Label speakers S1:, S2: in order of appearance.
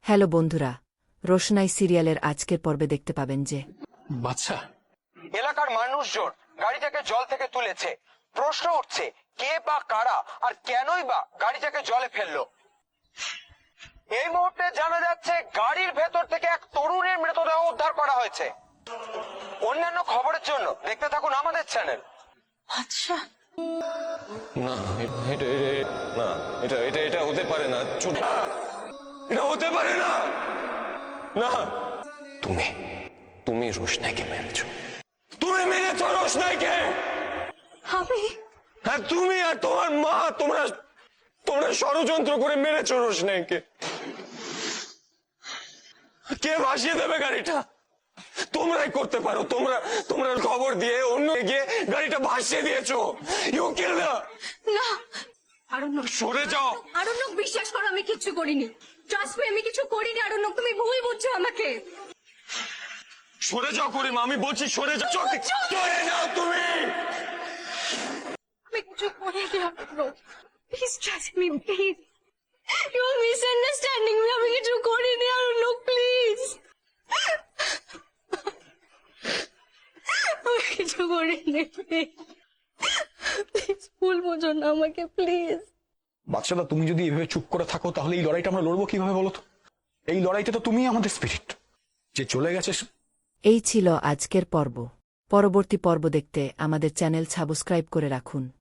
S1: Hello বন্ধুরা, রোশনাই সিরিয়ালের আজকের পর্বে দেখতে পাবেন যে
S2: বাচ্চা
S3: এলাকার মানুষজন গাড়িটাকে জল থেকে তুলেছে। প্রশ্ন উঠছে, কে বা কারা আর কেনই বা গাড়িটাকে জলে ফেললো। এই মুহূর্তে জানা যাচ্ছে গাড়ির ভেতর থেকে এক তরুণের মৃতদেহ উদ্ধার করা হয়েছে। অন্যান্য খবরের জন্য দেখতে থাকুন আমাদের চ্যানেল।
S4: আচ্ছা,
S2: না এটা হতে পারে না। এটা হতে পারে না। না, তুমি রোশনাইকে মেরেছো। তুমি মেরেছো রোশনাইকে।
S4: আমি
S2: হ্যাঁ, তুমি আর তোমার মা তোমরা ষড়যন্ত্র করে মেরেছো রোশনাইকে। কে ভাসিয়ে দেবে গাড়িটা? তোমরাই করতে পারো। তোমরা খবর দিয়ে অন্য গিয়ে গাড়িটা ভাসিয়ে দিয়েছো। ইউ কিল না।
S4: না, আরণ্যক,
S2: সরে যাও।
S4: আরণ্যক, বিশ্বাস করো আমি কিচ্ছু করিনি। ট্রাস্ট মি, আমি কিছু করিনি আরণ্যক, তুমি ভুল বুঝছো আমাকে।
S2: সরে যাও করিমা, আমি বলছি সরে যাও। সরে যাও তুমি।
S4: আমি কিছু করিনি Aranyak, please trust me, please. You are misunderstanding me. আমি কিছু করিনি আরণ্যক, প্লিজ। আমি কিছু করিনি, প্লিজ ভুল বোঝো না আমাকে, প্লিজ।
S5: বাচ্চারা, তুমি যদি এভাবে চুপ করে থাকো তাহলে এই লড়াইটা আমরা লড়বো কিভাবে বলো তো? এই লড়াইতে তো তুমিই আমাদের স্পিরিট। যে চলে গেছে
S1: এই ছিল আজকের পর্ব। পরবর্তী পর্ব দেখতে আমাদের চ্যানেল সাবস্ক্রাইব করে রাখুন।